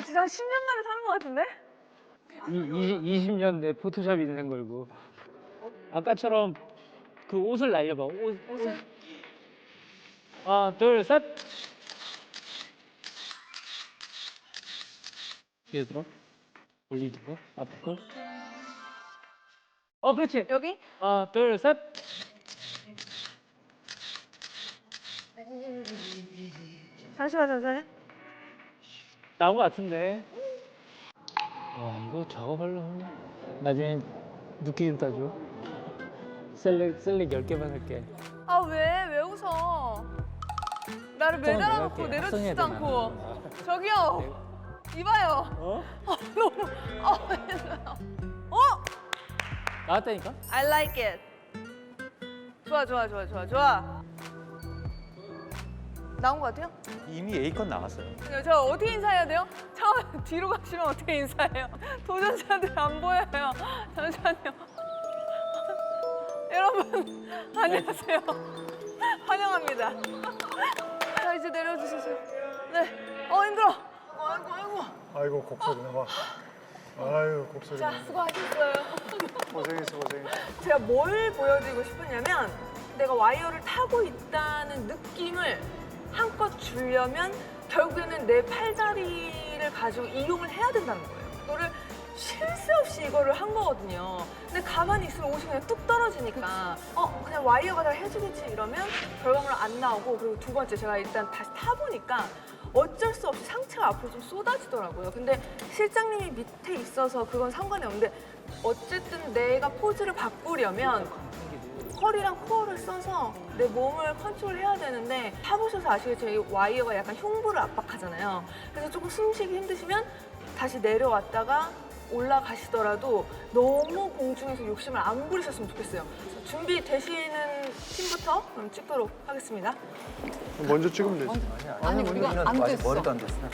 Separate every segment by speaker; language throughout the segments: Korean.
Speaker 1: 진짜 한 10년 만에 사는 것 같은데?
Speaker 2: 20년 내 포토샵 인생 걸고. 아까처럼 그 옷을 날려봐. 옷을. 하나, 둘, 셋. 뒤에 들어. 올리는 거. 앞에 거. 그렇지.
Speaker 1: 여기?
Speaker 2: 하나, 둘, 셋.
Speaker 1: 잠시만.
Speaker 2: 나온 거 같은데. 이거 작업하려면 나중에 느낌 따줘. 셀렉 10개만 할게.
Speaker 1: 아, 왜 웃어? 나를 매달아놓고
Speaker 2: 내가 할게.
Speaker 1: 내려주지도
Speaker 2: 합성해야
Speaker 1: 않고. 저기요. 이봐요. 너무.
Speaker 2: 나왔다니까?
Speaker 1: I like it. 좋아. 나온 것 같아요?
Speaker 3: 이미 A컷 나왔어요.
Speaker 1: 저 어떻게 인사해야 돼요? 처음 뒤로 가시면 어떻게 인사해요? 도전자들 안 보여요. 잠시만요. 여러분 안녕하세요. 환영합니다. 자 이제 내려주세요. 네. 힘들어. 아이고.
Speaker 4: 아이고 곡소리 나와. 아유 곡소리
Speaker 1: 자
Speaker 4: 나와.
Speaker 1: 수고하셨어요.
Speaker 4: 고생했어.
Speaker 1: 제가 뭘 보여드리고 싶었냐면 내가 와이어를 타고 있다는 느낌을 한껏 주려면 결국에는 내 팔다리를 가지고 이용을 해야 된다는 거예요. 이거를 쉴 새 없이 이거를 한 거거든요. 근데 가만히 있으면 옷이 그냥 뚝 떨어지니까 그냥 와이어가 다 해주겠지 이러면 결과물은 안 나오고, 그리고 두 번째 제가 일단 다시 타보니까 어쩔 수 없이 상체가 앞으로 좀 쏟아지더라고요. 근데 실장님이 밑에 있어서 그건 상관이 없는데 어쨌든 내가 포즈를 바꾸려면 허리랑 코어를 써서 내 몸을 컨트롤해야 되는데, 타보셔서 아시겠지만 이 와이어가 약간 흉부를 압박하잖아요. 그래서 조금 숨쉬기 힘드시면 다시 내려왔다가 올라가시더라도 너무 공중에서 욕심을 안 부리셨으면 좋겠어요. 준비되시는 팀부터 그럼 찍도록 하겠습니다.
Speaker 4: 먼저 찍으면 되지.
Speaker 5: 아니 우리가 안 됐어.
Speaker 3: 머리도 안 됐어.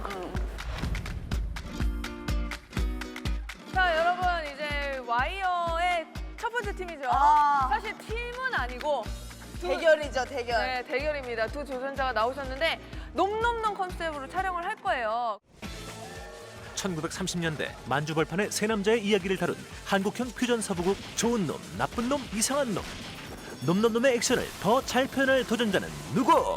Speaker 1: 자, 여러분 이제 와이어의 첫 번째 팀이죠. 사실 팀은 아니고
Speaker 5: 대결이죠, 대결.
Speaker 1: 네, 대결입니다. 두 도전자가 나오셨는데 놈놈놈 컨셉으로 촬영을 할 거예요.
Speaker 6: 1930년대 만주벌판의 세 남자의 이야기를 다룬 한국형 퓨전 서부극 좋은 놈, 나쁜 놈, 이상한 놈. 놈놈놈의 액션을 더 잘 표현할 도전자는 누구?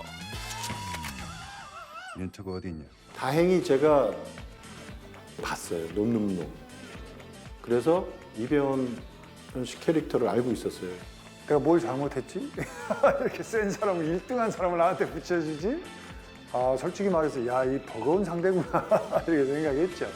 Speaker 7: 멘트가 어디 있냐?
Speaker 8: 다행히 제가 봤어요. 놈놈놈. 그래서 이배원 씨 캐릭터를 알고 있었어요.
Speaker 4: 내가 뭘 잘못했지? 이렇게 센 사람을 1등한 사람을 나한테 붙여주지? 솔직히 말해서 야, 이 버거운 상대구나 이렇게 생각했죠.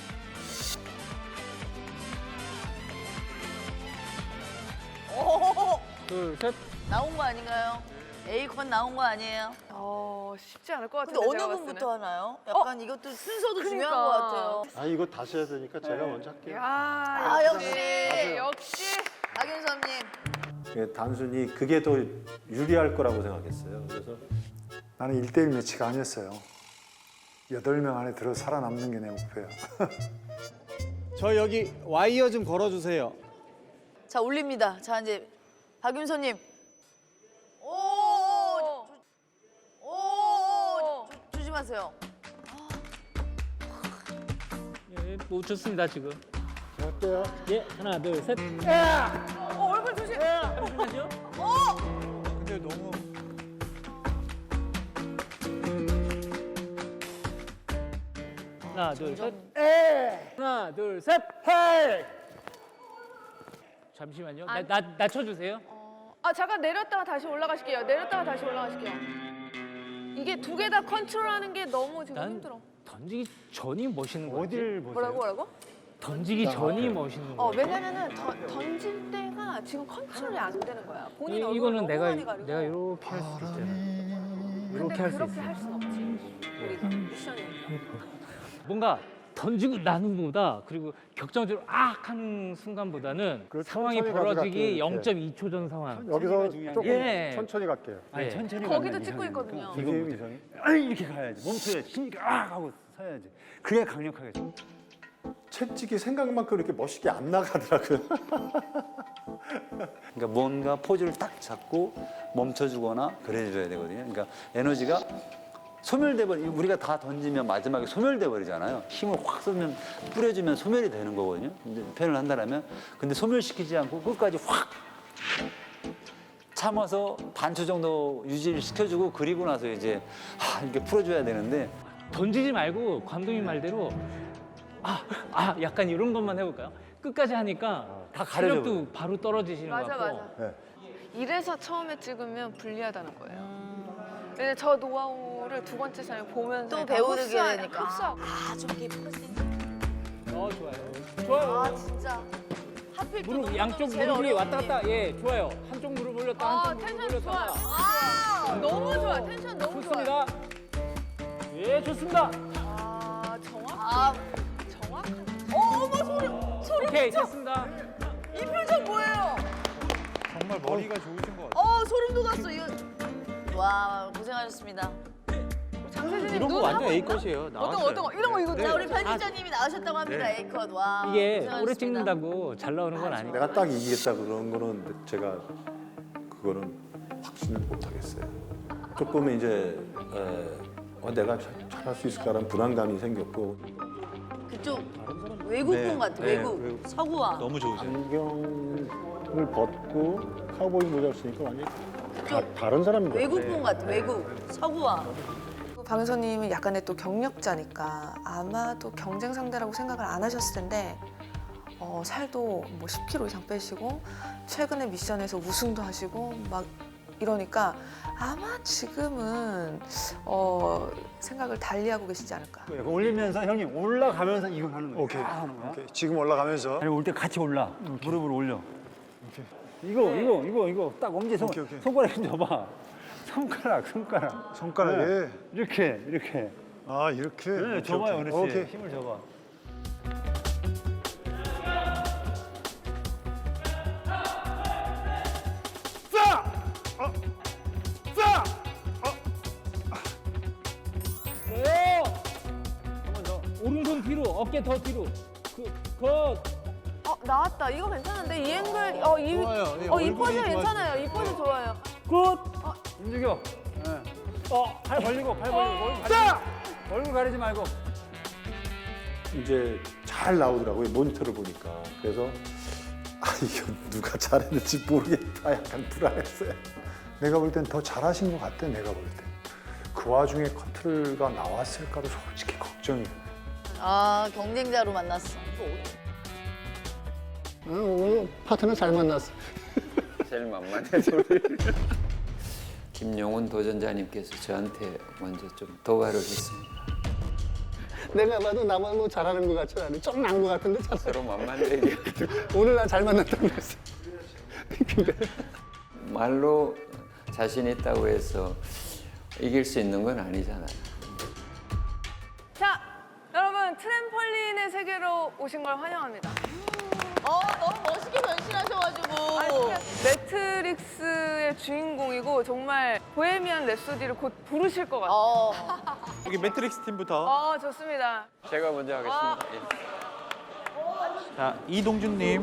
Speaker 2: 둘, 셋.
Speaker 5: 나온 거 아닌가요? A컷 나온 거 아니에요?
Speaker 1: 쉽지 않을 것
Speaker 5: 근데
Speaker 1: 같은데
Speaker 5: 어느
Speaker 1: 제가 봤을
Speaker 5: 분부터
Speaker 1: 때는.
Speaker 5: 하나요? 약간 이것도 순서도 중요한
Speaker 1: 그러니까.
Speaker 5: 것 같아요.
Speaker 8: 이거 다시 해야 되니까 제가 먼저 할게요.
Speaker 1: 야, 역시
Speaker 5: 박윤섭님.
Speaker 8: 예, 단순히 그게 더 유리할 거라고 생각했어요. 그래서
Speaker 4: 나는 1대1 매치가 아니었어요. 8명 안에 들어 살아남는 게 내 목표야.
Speaker 9: 저 여기 와이어 좀 걸어주세요.
Speaker 5: 자, 올립니다. 자, 이제 박윤섭님. 오! 조심하세요.
Speaker 2: 못 쳤습니다 지금.
Speaker 4: 어때요?
Speaker 2: 하나, 둘, 셋.
Speaker 1: 얼굴 조심.
Speaker 2: 잠시만요.
Speaker 4: 근데 너무
Speaker 2: 하나, 둘, 셋. 하나, 둘, 셋. 헤이. 잠시만요. 나 쳐주세요.
Speaker 1: 잠깐 내렸다가 다시 올라가실게요. 이게 두 개 다 컨트롤하는 게 너무 지금
Speaker 2: 난
Speaker 1: 힘들어.
Speaker 2: 던지기 전이 멋있는 거지.
Speaker 4: 어딜 보세요?
Speaker 1: 뭐라고?
Speaker 2: 던지기 전이 멋있는 거지.
Speaker 1: 왜냐면은 던질 때가 지금 컨트롤이 안 되는 거야. 본인 얼굴
Speaker 2: 이거는
Speaker 1: 너무
Speaker 2: 내가
Speaker 1: 많이 가리고.
Speaker 2: 이렇게 할 수도 있잖아.
Speaker 1: 근데
Speaker 2: 이렇게 할 수
Speaker 1: 그렇게
Speaker 2: 있어.
Speaker 1: 할 순 없지. 우리가 미션이니까.
Speaker 2: 뭔가 던지고 나는 거보다, 그리고 격정적으로 하는 순간보다는
Speaker 4: 그렇죠.
Speaker 2: 상황이
Speaker 4: 천천히
Speaker 2: 벌어지기
Speaker 4: 가져갈게요,
Speaker 2: 0.2초 전 상황.
Speaker 4: 여기서 조금
Speaker 2: 예.
Speaker 4: 천천히 갈게요.
Speaker 2: 예.
Speaker 9: 천천히
Speaker 1: 거기도
Speaker 9: 가면
Speaker 1: 찍고
Speaker 9: 이상하니까.
Speaker 1: 있거든요.
Speaker 4: 이게 이상해.
Speaker 9: 아니, 이렇게 가야지. 멈춰야지. 힘있게 하고 서야지. 그게 강력하게 줘.
Speaker 8: 채찍이 생각만큼 이렇게 멋있게 안 나가더라고요.
Speaker 3: 그러니까 뭔가 포즈를 딱 잡고 멈춰주거나 그래줘야 되거든요. 그러니까 에너지가
Speaker 9: 소멸돼 버리. 우리가 다 던지면 마지막에 소멸돼 버리잖아요. 힘을 확 쏘면 뿌려주면 소멸이 되는 거거든요. 근데 표현을 한다면 근데 소멸시키지 않고 끝까지 확 참아서 반초 정도 유지를 시켜주고 그리고 나서 이제 이렇게 풀어줘야 되는데
Speaker 2: 던지지 말고 감독님 말대로 약간 이런 것만 해볼까요? 끝까지 하니까
Speaker 9: 다 가려져
Speaker 2: 체력도 바로 떨어지시는 것
Speaker 1: 맞아,
Speaker 2: 같고.
Speaker 1: 맞아. 이래서 처음에 찍으면 불리하다는 거예요. 근데 저 노하우를 두 번째 사람이 보면서
Speaker 5: 또
Speaker 1: 다
Speaker 5: 배우게
Speaker 1: 흡수하-
Speaker 5: 되니까.
Speaker 1: 흡수하고.
Speaker 5: 아좀 깊은
Speaker 2: 좋아요. 좋아요.
Speaker 5: 아 진짜. 하필 또
Speaker 2: 무릎
Speaker 5: 너무
Speaker 2: 양쪽
Speaker 5: 제일
Speaker 2: 무릎이
Speaker 5: 어려운
Speaker 2: 왔다 갔다.
Speaker 5: 일.
Speaker 2: 예, 좋아요. 한쪽 무릎 올렸다, 한쪽 무릎
Speaker 1: 텐션 좋아.
Speaker 2: 올렸다가.
Speaker 1: 너무 좋아. 텐션 너무 좋아.
Speaker 2: 좋습니다. 예, 좋습니다.
Speaker 5: 아
Speaker 1: 정확한.
Speaker 5: 어머 소름
Speaker 2: 오케이,
Speaker 5: 끼쳐.
Speaker 2: 됐습니다.
Speaker 5: 이 표정 뭐예요?
Speaker 3: 정말 머리가 좋으신 것 같아요.
Speaker 5: 소름 돋았어 이거. 와 고생하셨습니다.
Speaker 1: 장세진님
Speaker 3: 이런 거
Speaker 1: 눈
Speaker 3: 완전
Speaker 1: 한번
Speaker 3: A 컷이에요.
Speaker 1: 어떤 거 이런 거 이거
Speaker 5: 자 우리 편집자님이 나오셨다고 합니다.
Speaker 3: 네.
Speaker 5: A컷 와.
Speaker 2: 이게
Speaker 5: 고생하셨습니다.
Speaker 2: 오래 찍는다고 잘 나오는 건 아니에요.
Speaker 8: 내가 딱 이기겠다 그런 거는 제가 그거는 확신을 못 하겠어요. 조금은 이제 내가 잘할 수 있을까라는 불안감이 생겼고
Speaker 5: 그쪽 외국분 같아 외국 서구와.
Speaker 3: 너무 좋으세요.
Speaker 4: 안경을 벗고 카우보이 모자를 쓰니까 완전히
Speaker 5: 그쪽
Speaker 4: 다른 사람인데.
Speaker 5: 외국분 같아 외국 서구와.
Speaker 7: 박윤서님은 약간의 또 경력자니까 아마도 경쟁 상대라고 생각을 안 하셨을 텐데 살도 뭐 10kg 이상 빼시고 최근에 미션에서 우승도 하시고 막 이러니까 아마 지금은 생각을 달리하고 계시지 않을까.
Speaker 9: 올리면서 형님 올라가면서 이거 하는 거예요.
Speaker 4: 오케이.
Speaker 9: 딱 하는 거야.
Speaker 4: 오케이. 지금 올라가면서.
Speaker 9: 아니 올 때 같이 올라. 무릎을 올려. 이거 딱 엄지
Speaker 4: 오케이, 오케이.
Speaker 9: 손가락 좀 줘봐. 손가락.
Speaker 4: 손가락에.
Speaker 9: 이렇게.
Speaker 4: 아 이렇게.
Speaker 9: 네,
Speaker 4: 오케이,
Speaker 9: 줘봐요,
Speaker 4: 오케이.
Speaker 9: 그렇지.
Speaker 4: 오케이.
Speaker 9: 힘을 줘봐.
Speaker 2: 오른손 뒤로, 어깨 더 뒤로. 컷.
Speaker 1: 나왔다. 이거 괜찮은데 이 앵글
Speaker 3: 좋아요. 예,
Speaker 1: 이
Speaker 3: 얼굴이
Speaker 1: 포즈
Speaker 3: 좋아지죠.
Speaker 1: 괜찮아요. 이 포즈 좋아요.
Speaker 2: 굿.
Speaker 9: 움직여. 팔 벌리고. 얼굴 가리지 말고.
Speaker 8: 이제 잘 나오더라고요. 모니터를 보니까. 그래서 이거 누가 잘했는지 모르겠다. 약간 불안했어요.
Speaker 4: 내가 볼 땐 더 잘하신 것 같아. 내가 볼 때. 그 와중에 커트가 나왔을까도 솔직히 걱정이.
Speaker 5: 아 경쟁자로 만났어.
Speaker 10: 오늘 파트너 잘 만났어.
Speaker 11: 제일 만만해 소리. 김용훈 도전자님께서 저한테 먼저 좀 도발을 했습니다.
Speaker 10: 내가 봐도 나만 뭐 잘하는 것 같지 않아. 좀 난 것 같은데 잘.
Speaker 11: 서로 만만해 얘기하거든요.
Speaker 10: 오늘 나 잘 만났다고 그랬어. 근데
Speaker 11: 말로 자신 있다고 해서 이길 수 있는 건 아니잖아요.
Speaker 1: 자, 여러분 트램펄린의 세계로 오신 걸 환영합니다.
Speaker 5: 너무 멋있게 변신하셔가지고.
Speaker 1: 매트릭스의 주인공이고 정말 보헤미안 랩소디를 곧 부르실 것 같아요.
Speaker 3: 여기 매트릭스 팀부터.
Speaker 1: 좋습니다.
Speaker 11: 제가 먼저 하겠습니다. 예.
Speaker 3: 자, 이동준님.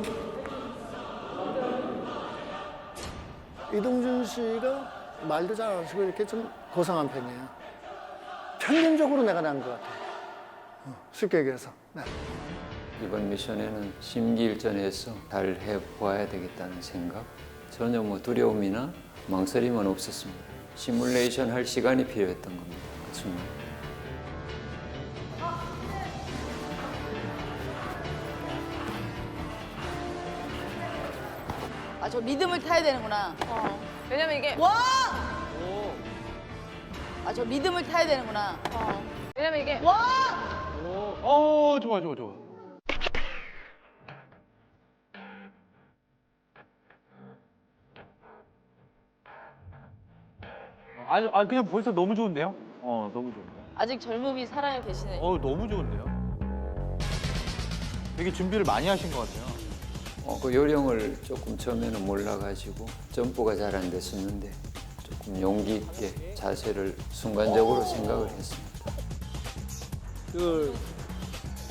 Speaker 10: 이동준 씨가 말도 잘 안 하시고 이렇게 좀 고상한 편이에요. 평균적으로 내가 난 것 같아. 쉽게 얘기해서. 네.
Speaker 11: 이번 미션에는 심기일전해서 잘 해보아야 되겠다는 생각, 전혀 뭐 두려움이나 망설임은 없었습니다. 시뮬레이션 할 시간이 필요했던 겁니다. 그 순간.
Speaker 5: 저 리듬을 타야 되는구나.
Speaker 1: 왜냐면 이게
Speaker 5: 와! 저 리듬을 타야 되는구나.
Speaker 1: 왜냐면 이게
Speaker 5: 와!
Speaker 3: 좋아. 아니 그냥 벌써 너무 좋은데요? 너무 좋은데.
Speaker 5: 아직 젊음이 살아 계시네.
Speaker 3: 너무 좋은데요? 되게 준비를 많이 하신 것 같아요.
Speaker 11: 그 요령을 조금 처음에는 몰라가지고 점프가 잘 안 됐었는데 조금 용기 있게 자세를 순간적으로 생각을 했습니다.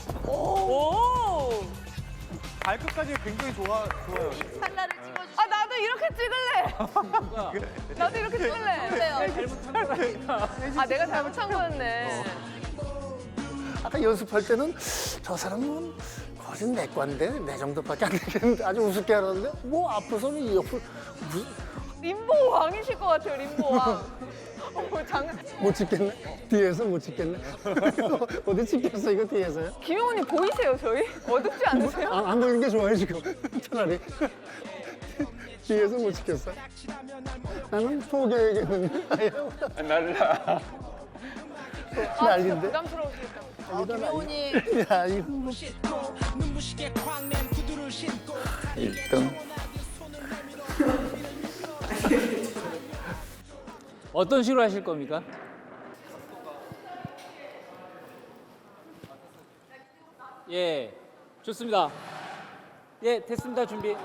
Speaker 1: 오!
Speaker 3: 발끝까지 굉장히 좋아요.
Speaker 5: 찰나를 찍어주시.
Speaker 1: 나도 나도 이렇게 찍을래. 나도 이렇게 찍을래. 아 내가 잘못한 거였네.
Speaker 10: 아까 연습할 때는 저 사람은 거진 내 과인데 내 정도밖에 안 되겠는데 아주 우습게 하는데 뭐 앞으로는 이 옆을
Speaker 1: 림보 왕이실 것 같아요. 림보 왕.
Speaker 10: 못 찍겠네. 뒤에서 못 찍겠네. 어디 찍겠어 이거 뒤에서요?
Speaker 1: 김용훈님 보이세요 저희? 어둡지 않으세요?
Speaker 10: 안 보이는 게 좋아요 지금. 차라리 뒤에서 못 찍겠어. 나는 포기해야겠는데. 날라. 난리인데.
Speaker 1: 부담스러우시겠다.
Speaker 5: 김용훈님
Speaker 10: 야 이거.
Speaker 11: 1등.
Speaker 2: 어떤 식으로 하실 겁니까? 예, 좋습니다. 예, 됐습니다. 준비.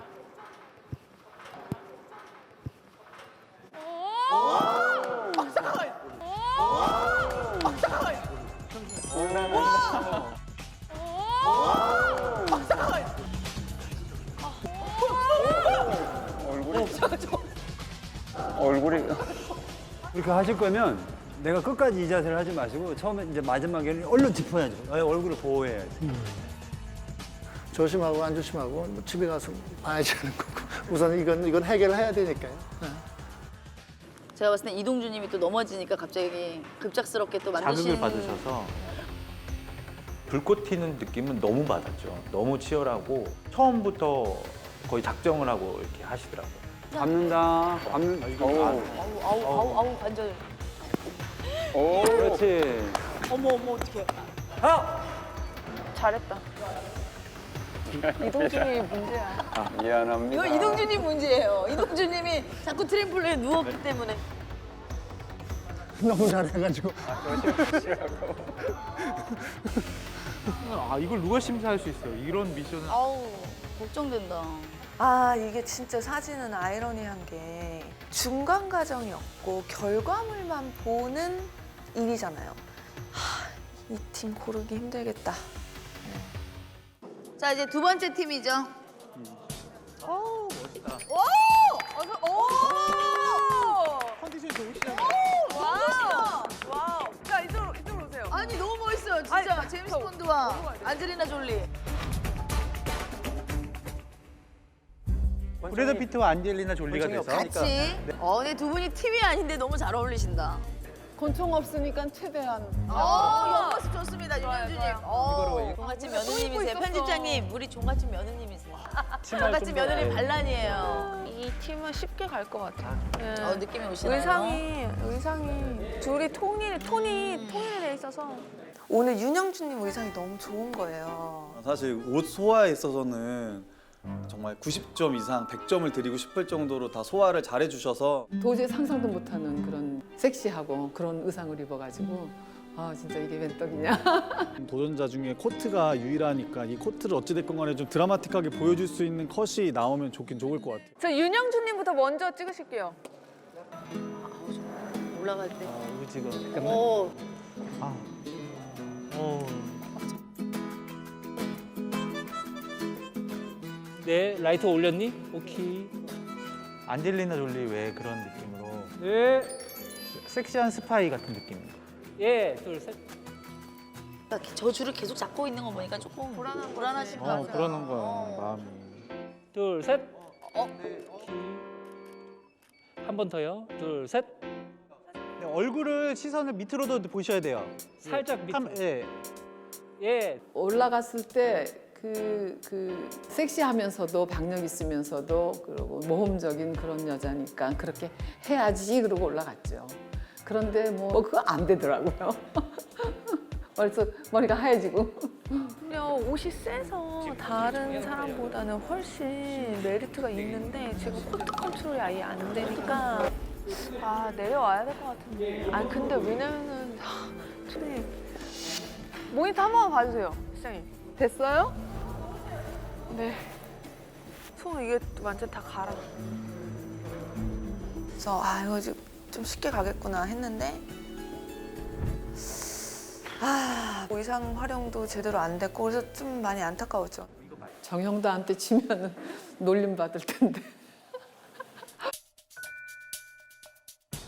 Speaker 9: 그렇게 하실 거면 내가 끝까지 이 자세를 하지 마시고 처음에 이제 마지막에는 얼른 짚어야죠. 얼굴을 보호해야지.
Speaker 10: 조심하고 안 조심하고 뭐 집에 가서 봐야지 하는 거고 우선 이건 해결을 해야 되니까요.
Speaker 5: 제가 봤을 때 이동주님이 또 넘어지니까 갑자기 급작스럽게 또 만드신
Speaker 3: 자극을 받으셔서 불꽃 튀는 느낌은 너무 받았죠. 너무 치열하고 처음부터 거의 작정을 하고 이렇게 하시더라고요.
Speaker 9: 밟는다.
Speaker 5: 아우 관절.
Speaker 9: 그렇지.
Speaker 5: 어머 어떡해.
Speaker 1: 잘했다. 이동준이 문제야.
Speaker 5: 이거 이동주님 문제예요. 이동주님이 자꾸 트램폴린에 누웠기 때문에.
Speaker 10: 너무 잘해가지고.
Speaker 3: 아 이걸 누가 심사할 수 있어요? 이런 미션은
Speaker 5: 아우 걱정된다.
Speaker 7: 아 이게 진짜 사진은 아이러니한 게 중간 과정이 없고 결과물만 보는 일이잖아요. 이 팀 고르기 힘들겠다.
Speaker 5: 자 이제 두 번째 팀이죠.
Speaker 1: 오 멋있다. 오.
Speaker 3: 컨디션이 좋으시네요.
Speaker 1: 와우. 자 이쪽으로 오세요.
Speaker 5: 아니 너무 멋있어요 진짜.
Speaker 1: 아니,
Speaker 5: 제임스
Speaker 1: 저
Speaker 5: 본드와
Speaker 1: 넘어가야 돼요.
Speaker 5: 안젤리나 졸리.
Speaker 3: 브래드 피트와 안젤리나 졸리가 돼서
Speaker 5: 같이. 근데 두 분이 팀이 아닌데 너무 잘 어울리신다.
Speaker 1: 권총 없으니까 최대한.
Speaker 5: 옆모습 좋습니다 윤현주님.
Speaker 1: 좋아요.
Speaker 5: 종갓집
Speaker 1: 또 입고
Speaker 5: 며느님이세요.
Speaker 1: 있었어.
Speaker 5: 편집장님 우리 종갓집 며느님이세요.
Speaker 2: 치마를
Speaker 5: 종갓집
Speaker 2: 좀
Speaker 5: 며느님
Speaker 2: 더-
Speaker 5: 반란이에요.
Speaker 7: 이 팀은 쉽게 갈 것 같아.
Speaker 5: 느낌이 오시나요?
Speaker 7: 의상이 둘이 톤이 통일돼 있어서 오늘 윤영준님 의상이 너무 좋은 거예요.
Speaker 12: 사실 옷 소화에 있어서는 정말 90점 이상 100점을 드리고 싶을 정도로 다 소화를 잘해 주셔서
Speaker 13: 도저히 상상도 못하는 그런 섹시하고 그런 의상을 입어가지고 아 진짜 이게 웬 떡이냐.
Speaker 12: 도전자 중에 코트가 유일하니까 이 코트를 어찌됐건 간에 좀 드라마틱하게 보여줄 수 있는 컷이 나오면 좋긴 좋을 것 같아요.
Speaker 1: 저 윤영준님부터 먼저 찍으실게요.
Speaker 5: 올라갈 때.
Speaker 3: 의지가
Speaker 5: 오.
Speaker 2: 네, 라이트 올렸니? 오케이.
Speaker 3: 안젤리나 졸리 왜 그런 느낌으로
Speaker 2: 네.
Speaker 3: 섹시한 스파이 같은 느낌.
Speaker 2: 예, 둘, 셋.
Speaker 5: 저 줄을 계속 잡고 있는 거 보니까 조금 불안하실 것 같아요.
Speaker 3: 그러는 거야 마음이.
Speaker 2: 둘, 셋. 한 번 더요. 둘, 셋.
Speaker 3: 네, 얼굴을 시선을 밑으로도 보셔야 돼요.
Speaker 2: 살짝 밑으로.
Speaker 3: 예.
Speaker 2: 예.
Speaker 13: 올라갔을 때 그 섹시하면서도 박력 있으면서도 그리고 모험적인 그런 여자니까 그렇게 해야지 그러고 올라갔죠. 그런데 뭐 그거 안 되더라고요. 벌써 머리가 하얘지고.
Speaker 7: 그냥 옷이 세서 다른 사람보다는 훨씬 메리트가 있는데 지금 코트 컨트롤이 아예 안 되니까 아 내려와야 될 것 같은데. 아 근데 왜냐면은 둘이
Speaker 1: 모니터 한 번만 봐주세요, 시장님. 됐어요?
Speaker 7: 네. 손 이게 완전 다 갈아. 그래서 아 이거 좀 쉽게 가겠구나 했는데 아 의상 활용도 제대로 안 됐고 그래서 좀 많이 안타까웠죠.
Speaker 13: 정형다한테 치면은 놀림 받을 텐데.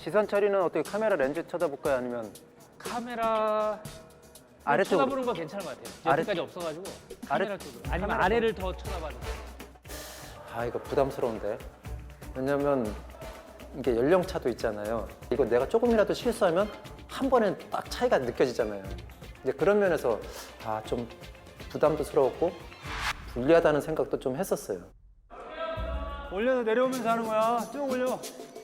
Speaker 14: 시선 처리는 어떻게 카메라 렌즈 쳐다볼까요? 아니면
Speaker 2: 카메라
Speaker 14: 아래쪽으로?
Speaker 2: 쳐다보는 거 괜찮은 것 같아요. 여기까지 없어가지고 카메라 쪽으로. 아니면
Speaker 14: 카메라
Speaker 2: 아래를 더 쳐다봐도 돼요.
Speaker 14: 아 이거 부담스러운데. 왜냐면 이게 연령차도 있잖아요. 이거 내가 조금이라도 실수하면 한 번에 딱 차이가 느껴지잖아요. 이제 그런 면에서 아 좀 부담스러웠고 불리하다는 생각도 좀 했었어요.
Speaker 12: 올려서 내려오면서 하는 거야. 쭉 올려.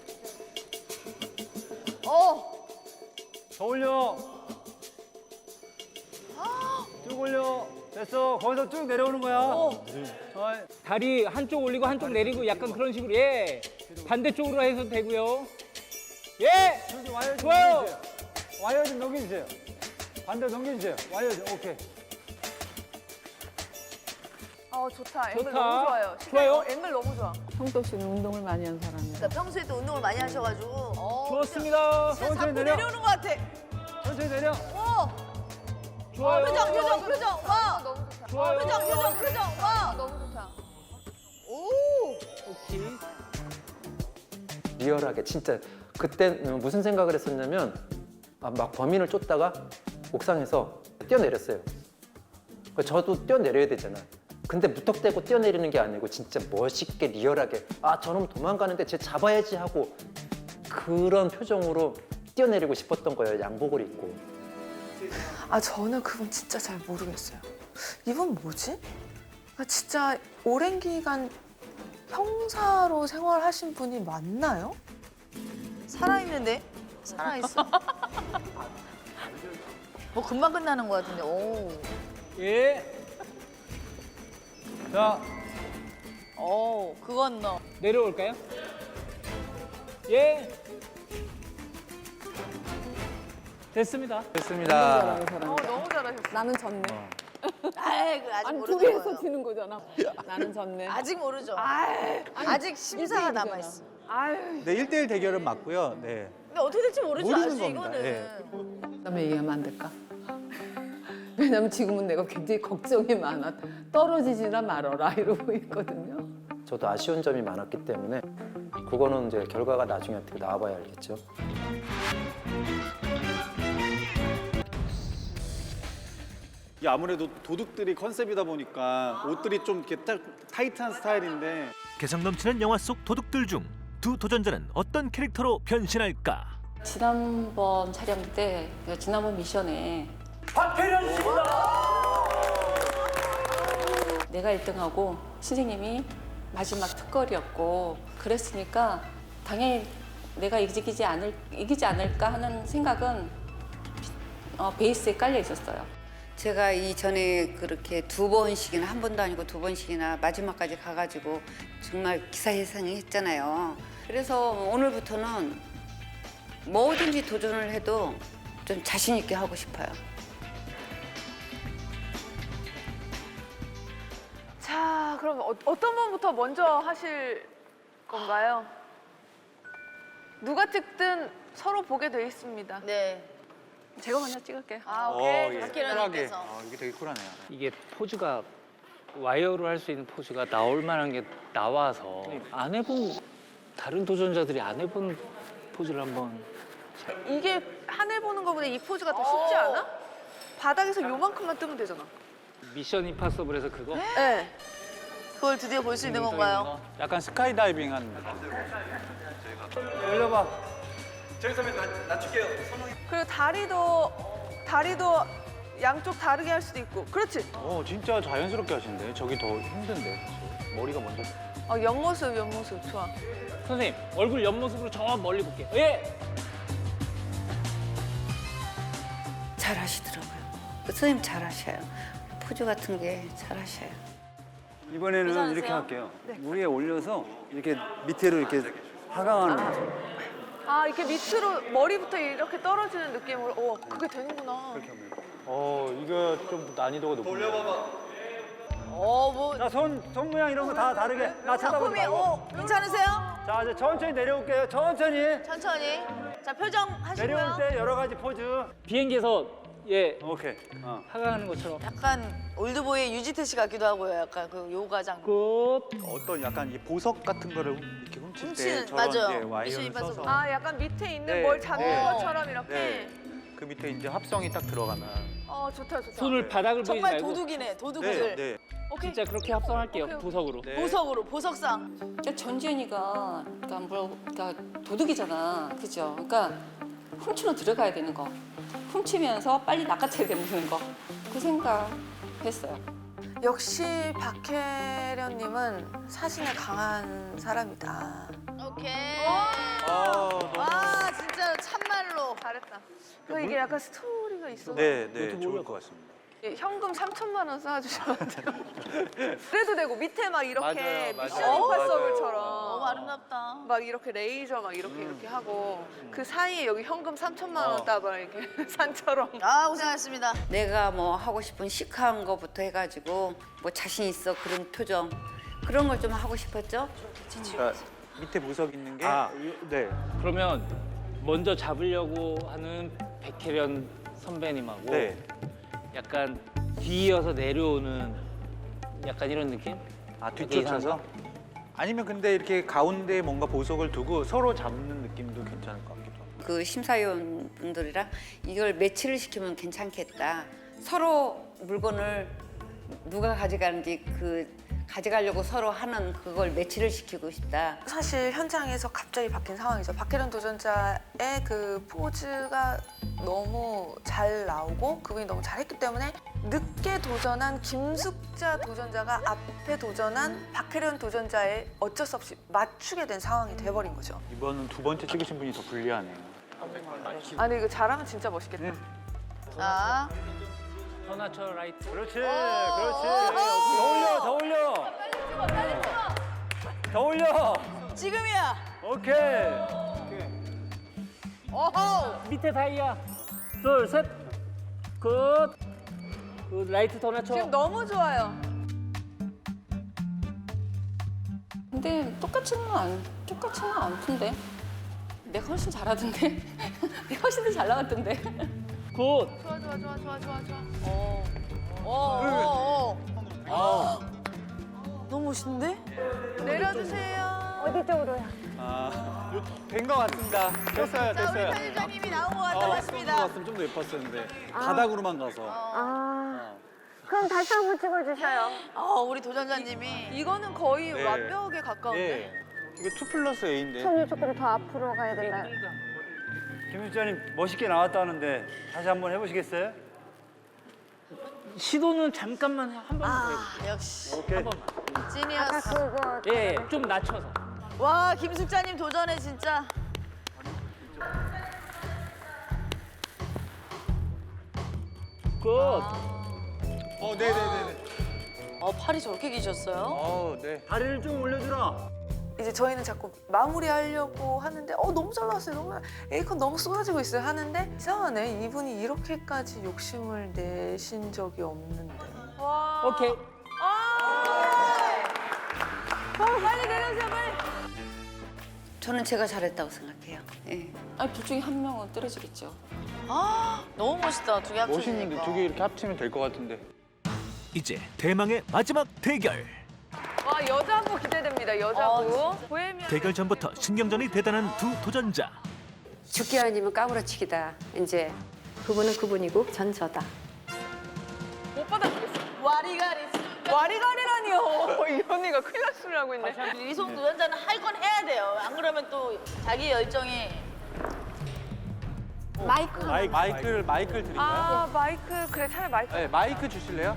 Speaker 12: 더 올려. 쭉 올려. 됐어. 거기서 쭉 내려오는 거야.
Speaker 2: 다리 한쪽 올리고 한쪽 내리고 약간 그런 식으로. 예. 반대쪽으로 해서 되고요. 예.
Speaker 12: 저기 와이어 좀
Speaker 2: 좋아요.
Speaker 12: 넘겨주세요. 와이어 좀 넘겨주세요. 반대로 넘겨주세요. 와이어 좀 오케이.
Speaker 1: 좋다. 앵글
Speaker 2: 좋다.
Speaker 1: 너무 좋아요.
Speaker 2: 좋아요?
Speaker 1: 앵글 너무 좋아.
Speaker 13: 평소시는 운동을 많이 한 사람이에요.
Speaker 5: 그러니까 평소에 또 운동을 많이 하셔가지고.
Speaker 2: 좋습니다.
Speaker 5: 진짜 자꾸 내려오는 것 같아.
Speaker 12: 천천히 내려.
Speaker 2: 좋아요.
Speaker 5: 표정. 와.
Speaker 1: 너무 좋다.
Speaker 2: 좋아요.
Speaker 5: 표정. 와.
Speaker 1: 너무 좋다.
Speaker 2: 오케이.
Speaker 14: 리얼하게 진짜 그때 무슨 생각을 했었냐면 막 범인을 쫓다가 옥상에서 뛰어내렸어요. 저도 뛰어내려야 되잖아. 근데 무턱대고 뛰어내리는 게 아니고 진짜 멋있게 리얼하게 아 저놈 도망가는데 쟤 잡아야지 하고 그런 표정으로 뛰어내리고 싶었던 거예요. 양복을 입고.
Speaker 7: 아 저는 그건 진짜 잘 모르겠어요. 이분 뭐지? 아, 진짜 오랜 기간 형사로 생활하신 분이 맞나요?
Speaker 5: 살아있는데? 살아있어. 뭐 금방 끝나는 것 같은데. 오.
Speaker 2: 예. 자,
Speaker 5: 오, 그건 너.
Speaker 2: 내려올까요? 예. 됐습니다.
Speaker 3: 됐습니다.
Speaker 1: 너무 잘하셨어.
Speaker 13: 나는 졌네.
Speaker 5: 아이, 그 아직
Speaker 13: 아니
Speaker 5: 모르는
Speaker 13: 두 개에서
Speaker 5: 거예요.
Speaker 13: 지는 거잖아. 나는 졌네.
Speaker 5: 아직 모르죠. 아직 심사가
Speaker 13: 일대일이잖아.
Speaker 5: 남아있어.
Speaker 3: 네, 1대1 대결은 맞고요. 네.
Speaker 5: 근데 어떻게 될지 모르죠.
Speaker 3: 모르는
Speaker 5: 아직
Speaker 3: 겁니다.
Speaker 5: 이거는.
Speaker 3: 예.
Speaker 13: 그다음에 얘기하면 안 될까? 왜냐면 지금은 내가 굉장히 걱정이 많아. 떨어지지나 말어라 이러고 있거든요.
Speaker 14: 저도 아쉬운 점이 많았기 때문에 그거는 이제 결과가 나중에 어떻게 나와봐야 알겠죠.
Speaker 12: 이게 아무래도 도둑들이 컨셉이다 보니까 옷들이 좀 이렇게 딱 타이트한 스타일인데
Speaker 6: 개성 넘치는 영화 속 도둑들 중 두 도전자는 어떤 캐릭터로 변신할까?
Speaker 15: 지난번 촬영 때 지난번 미션에
Speaker 2: 박혜련 씨입니다.
Speaker 15: 내가 1등하고 선생님이 마지막 특거리였고 그랬으니까 당연히 내가 이기지 않을까 하는 생각은 베이스에 깔려 있었어요.
Speaker 16: 제가 이전에 그렇게 두 번씩이나 한 번도 아니고 두 번씩이나 마지막까지 가가지고 정말 기사회생을 했잖아요. 그래서 오늘부터는 뭐든지 도전을 해도 좀 자신 있게 하고 싶어요.
Speaker 1: 자, 그럼 어떤 분부터 먼저 하실 건가요? 누가 찍든 서로 보게 돼 있습니다.
Speaker 5: 네.
Speaker 1: 제가 먼저 찍을게요.
Speaker 5: 아, 오케이.
Speaker 3: 예.
Speaker 5: 박혜련님께서.
Speaker 3: 이게 되게 쿨하네요.
Speaker 2: 이게 포즈가 와이어로 할 수 있는 포즈가 나올 만한 게 나와서 안 해본 다른 도전자들이 안 해본 포즈를 한번
Speaker 1: 이게 하늘 보는 것보다 이 포즈가 더 쉽지 않아? 바닥에서 요만큼만 뜨면 되잖아.
Speaker 2: 미션 임파서블에서 그거
Speaker 1: 네.
Speaker 5: 그걸 드디어 볼 수 있는 건가요?
Speaker 3: 약간 스카이다이빙 한
Speaker 12: 올려봐.
Speaker 1: 그리고 다리도 양쪽 다르게 할 수도 있고. 그렇지.
Speaker 3: 진짜 자연스럽게 하시는데 저기 더 힘든데 머리가 먼저.
Speaker 1: 옆모습 좋아.
Speaker 2: 선생님 얼굴 옆모습으로 저 멀리 볼게요. 예.
Speaker 16: 잘 하시더라고요. 선생님 잘 하셔요. 포즈 같은 게 잘 하셔요.
Speaker 14: 이번에는
Speaker 5: 괜찮으세요?
Speaker 14: 이렇게 할게요.
Speaker 1: 네.
Speaker 14: 위에 올려서 이렇게 밑으로 이렇게 하강하는 거죠.
Speaker 1: 아, 이렇게 밑으로 머리부터 이렇게 떨어지는 느낌으로. 그게 되는구나.
Speaker 3: 이거 좀 난이도가 높은데.
Speaker 5: 뭐.
Speaker 12: 나손 모양 이런 거 다 다르게. 나 쳐다보지
Speaker 5: 작품이,
Speaker 12: 말고.
Speaker 5: 괜찮으세요?
Speaker 12: 자 이제 천천히 내려올게요. 천천히.
Speaker 5: 천천히. 자, 표정 하시고요.
Speaker 12: 내려올 때 여러 가지 포즈.
Speaker 2: 비행기에서 예.
Speaker 3: 오케이.
Speaker 2: 하강하는 것처럼.
Speaker 5: 약간 올드보이의 유지태 씨 같기도 하고요. 약간 그 요가장.
Speaker 2: 끝.
Speaker 3: 어떤 약간 이 보석 같은 거를 이렇게 훔칠
Speaker 5: 훔치는,
Speaker 3: 때 저런
Speaker 5: 맞아요.
Speaker 3: 예, 와이어를
Speaker 5: 미션 임파서블.
Speaker 3: 써서
Speaker 1: 아 약간 밑에 있는
Speaker 3: 네,
Speaker 1: 뭘 잡는
Speaker 3: 네.
Speaker 1: 것처럼 이렇게.
Speaker 3: 네. 그 밑에 이제 합성이 딱 들어가면
Speaker 1: 좋다 좋다.
Speaker 2: 손을 바닥을 보이지
Speaker 5: 정말
Speaker 2: 말고.
Speaker 5: 도둑이네. 도둑들.
Speaker 3: 네.
Speaker 1: 오케이.
Speaker 2: 진짜 그렇게 합성할게요.
Speaker 1: 오케이, 오케이.
Speaker 2: 보석으로.
Speaker 3: 네.
Speaker 5: 보석으로 보석상.
Speaker 15: 그러니까 전지현이가 그러니까 도둑이잖아, 그죠? 그러니까 훔치러 들어가야 되는 거, 훔치면서 빨리 낚아채야 되는 거, 그 생각했어요.
Speaker 7: 역시 박혜련님은 사신에 강한 사람이다.
Speaker 5: 오케이.
Speaker 3: 아,
Speaker 5: 와 진짜 참말로.
Speaker 1: 잘했다. 그 이게 약간 스토리가 있어.
Speaker 3: 네, 좋을 것 같습니다.
Speaker 1: 현금 3천만 원 쌓아주셔야 돼요. 그래도 되고 밑에 막 이렇게
Speaker 3: 맞아요,
Speaker 1: 미션
Speaker 3: 맞아요.
Speaker 1: 임파서블처럼
Speaker 5: 너무 아름답다.
Speaker 1: 막 이렇게 레이저 막 이렇게 하고 그 사이에 여기 현금 3천만 원 따봐 이렇게 산처럼.
Speaker 5: 아 고생하셨습니다.
Speaker 16: 내가 뭐 하고 싶은 시크한 거부터 해가지고 뭐 자신 있어 그런 표정 그런 걸 좀 하고 싶었죠.
Speaker 3: 그러니까 밑에 보석 있는 게 네.
Speaker 2: 그러면 먼저 잡으려고 하는 백혜련 선배님하고
Speaker 3: 네.
Speaker 2: 약간 뒤이어서 내려오는 약간 이런 느낌?
Speaker 3: 뒤쫓아서? 아니면 근데 이렇게 가운데에 뭔가 보석을 두고 서로 잡는 느낌도 괜찮을 것 같기도 하고.
Speaker 16: 그 심사위원 분들이랑 이걸 매치를 시키면 괜찮겠다. 서로 물건을 누가 가져가는지 그 가져가려고 서로 하는 그걸 매치를 시키고 싶다.
Speaker 7: 사실 현장에서 갑자기 바뀐 상황이죠. 박혜련 도전자의 그 포즈가 너무 잘 나오고 그분이 너무 잘했기 때문에 늦게 도전한 김숙자 도전자가 앞에 도전한 박혜련 도전자에 어쩔 수 없이 맞추게 된 상황이 돼버린 거죠.
Speaker 3: 이번은 두 번째 찍으신 분이 더 불리하네요.
Speaker 1: 아니 이거 잘하면 진짜 멋있겠다.
Speaker 5: 자.
Speaker 2: 더 낮춰 라이트.
Speaker 9: 그렇지. 더 올려, 더 올려. 더 올려.
Speaker 5: 지금이야.
Speaker 9: 오케이.
Speaker 5: 오호.
Speaker 2: 밑에 다이아. 둘, 셋. 끝. 그 라이트 더 낮춰.
Speaker 1: 지금 너무 좋아요.
Speaker 15: 근데 똑같지는 않던데. 내가 훨씬 잘하던데. 내가 훨씬 더 잘 나왔던데.
Speaker 2: 굿.
Speaker 1: 좋아.
Speaker 5: 너무 멋있는데?
Speaker 1: 내려주세요.
Speaker 15: 어디 쪽으로야?
Speaker 3: 된 것 같습니다. 됐어요.
Speaker 5: 자 우리 편집장님이 나온 것 같다고 하십니다.
Speaker 12: 갔으면 좀 더 예뻤었는데 바닥으로만 가서.
Speaker 15: 그럼 다시 한번 찍어주셔요.
Speaker 5: 우리 도전자님이
Speaker 1: 이거는 거의
Speaker 3: 네.
Speaker 1: 완벽에 가까운데.
Speaker 3: 이게 2+A인데.
Speaker 15: 손이 조금 더 앞으로 가야 되나요?
Speaker 9: 김수자님 멋있게 나왔다는데 다시 한번 해보시겠어요?
Speaker 2: 시도는 잠깐만 한 번만 더 해볼게요.
Speaker 5: 역시
Speaker 9: 오케이.
Speaker 5: 지니어스.
Speaker 2: 예, 좀 낮춰서.
Speaker 5: 와 김숙자님 도전해 진짜.
Speaker 2: 굿.
Speaker 3: 네네네.
Speaker 5: 팔이 저렇게 기셨어요?
Speaker 3: 네.
Speaker 9: 다리를 좀 올려주라.
Speaker 7: 이제 저희는 자꾸 마무리하려고 하는데 너무 잘 나왔어요. 너무 에이컨 너무 쏟아지고 있어요. 하는데 이상하네. 이분이 이렇게까지 욕심을 내신 적이 없는데.
Speaker 1: 와.
Speaker 2: 오케이.
Speaker 1: 빨리 내려주세요 빨리.
Speaker 16: 저는 제가 잘했다고 생각해요. 예.
Speaker 15: 아니 둘 중에 한 명은 떨어지겠죠.
Speaker 5: 너무 멋있다. 두 개 합쳐지니까.
Speaker 3: 멋있는데 두 개 이렇게 합치면 될 것 같은데.
Speaker 6: 이제 대망의 마지막 대결.
Speaker 1: 와 여자부 기대됩니다. 여자부. 보헤미안.
Speaker 6: 대결 전부터 신경전이 대단한 두 도전자.
Speaker 17: 죽기 아니면 까무러치기다. 이제 그분은 그분이고 전 저다.
Speaker 1: 못 받아주겠어.
Speaker 5: 와리가리.
Speaker 1: 와리가리라니요. 이 언니가 큰일 날 소리를 하고 있네.
Speaker 5: 이송 도전자는 할 건 해야 돼요. 안 그러면 또 자기 열정이.
Speaker 3: 마이크를 드릴까요?
Speaker 1: 마이크 그래 차라리 마이크.
Speaker 3: 네, 마이크 주실래요?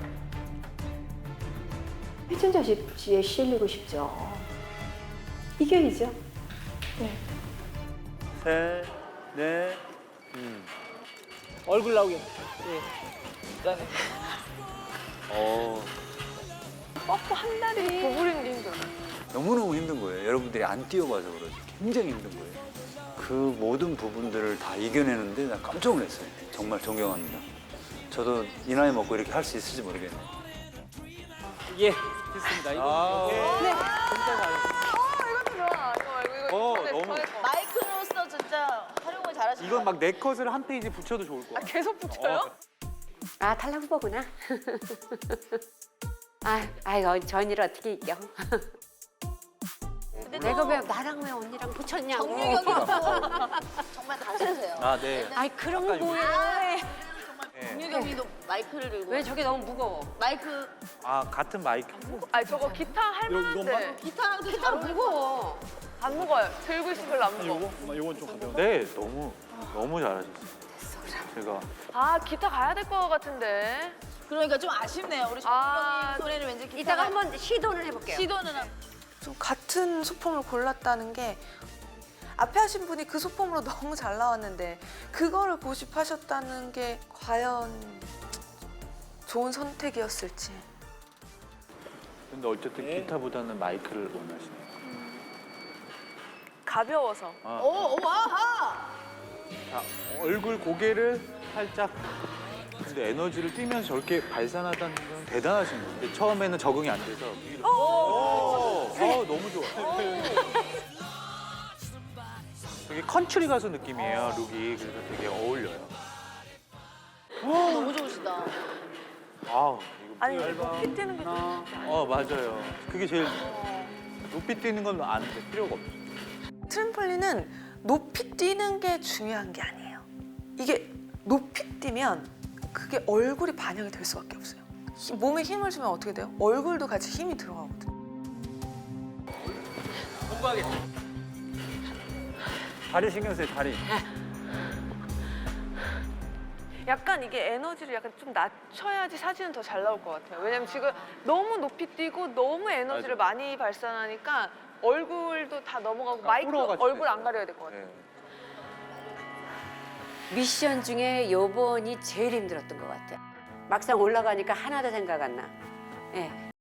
Speaker 17: 회춘자 씨에 실리고 싶죠. 이겨야죠.
Speaker 9: 셋, 넷.
Speaker 2: 얼굴 나오게. 예.
Speaker 1: 뽀뽀 한 다리 구부리는 게 힘들어.
Speaker 9: 너무너무 힘든 거예요. 여러분들이 안 뛰어봐서 그러지. 굉장히 힘든 거예요. 그 모든 부분들을 다 이겨내는데 나 깜짝 놀랐어요. 정말 존경합니다. 저도 이 나이 먹고 이렇게 할 수 있을지 모르겠네요.
Speaker 2: 예, 됐습니다. 이거.
Speaker 1: 네. 이것도 좋아. 이거
Speaker 3: 너무.
Speaker 5: 마이크로서 진짜 활용을 잘하시는
Speaker 3: 이건 막 네 컷을 한 페이지 붙여도 좋을 것 같아요.
Speaker 1: 계속 붙여요?
Speaker 17: 아 탈락 후보구나. 아이고 저 언니를 어떻게 이겨? 내가 왜 나랑 왜 언니랑 붙였냐고.
Speaker 5: 정유경이도 정말 가수세요.
Speaker 3: 아, 네.
Speaker 17: 아이 그런 거
Speaker 3: 아까
Speaker 17: 뭐예요?
Speaker 5: 정유경이도 마이크를 들고.
Speaker 17: 왜 저게 너무 무거워?
Speaker 5: 마이크.
Speaker 3: 아, 같은 마이크.
Speaker 1: 아 저거 기타 할 만한데.
Speaker 5: 기타랑도 잘
Speaker 17: 무거워.
Speaker 1: 안 무거워요. 들고 있으면 별로 안 무거워.
Speaker 12: 이건 좀 가벼워.
Speaker 3: 네, 너무 잘하셨어요. 제가
Speaker 1: 아 기타 가야 될 것 같은데.
Speaker 5: 그러니까 좀 아쉽네요. 우리 정유경님 손에는 왠지 기타가.
Speaker 17: 이따가 한번 시도를 해볼게요.
Speaker 5: 시도는
Speaker 7: 좀 같은 소품을 골랐다는 게 앞에 하신 분이 그 소품으로 너무 잘 나왔는데 그거를 고집하셨다는 게 과연 좋은 선택이었을지.
Speaker 3: 근데 어쨌든 기타보다는 마이크를 원하시네요.
Speaker 1: 가벼워서.
Speaker 5: 오, 와하!
Speaker 3: 자, 얼굴 고개를 살짝. 근데 에너지를 뛰면서 저렇게 발산하다는 건 대단하신 거예요. 근데 처음에는 적응이 안 돼서. 너무 좋아. 되게 컨트리 가수 느낌이에요, 룩이. 그래서 되게 어울려요.
Speaker 5: 너무 좋으시다.
Speaker 3: 아우, 이거
Speaker 1: 아니
Speaker 3: 얇아.
Speaker 1: 높이 뛰는 게 좀.
Speaker 3: 맞아요. 그게 제일 높이 뛰는 건 아는데 필요가 없어.
Speaker 7: 트램펄린은 높이 뛰는 게 중요한 게 아니에요. 이게 높이 뛰면 그게 얼굴이 반영이 될 수밖에 없어요. 몸에 힘을 주면 어떻게 돼요? 얼굴도 같이 힘이 들어가거든요.
Speaker 3: 공부하겠다. 다리 신경 쓰세요, 다리.
Speaker 1: 약간 이게 에너지를 약간 좀 낮춰야지 사진은 더 잘 나올 것 같아요. 왜냐면 지금 너무 높이 뛰고 너무 에너지를 많이 발산하니까 얼굴도 다 넘어가고 마이크 얼굴 안 가려야 될 것 같아요.
Speaker 17: 미션 중에 요번이 제일 힘들었던 것 같아요. 막상 올라가니까 하나도 생각 안 나. 예.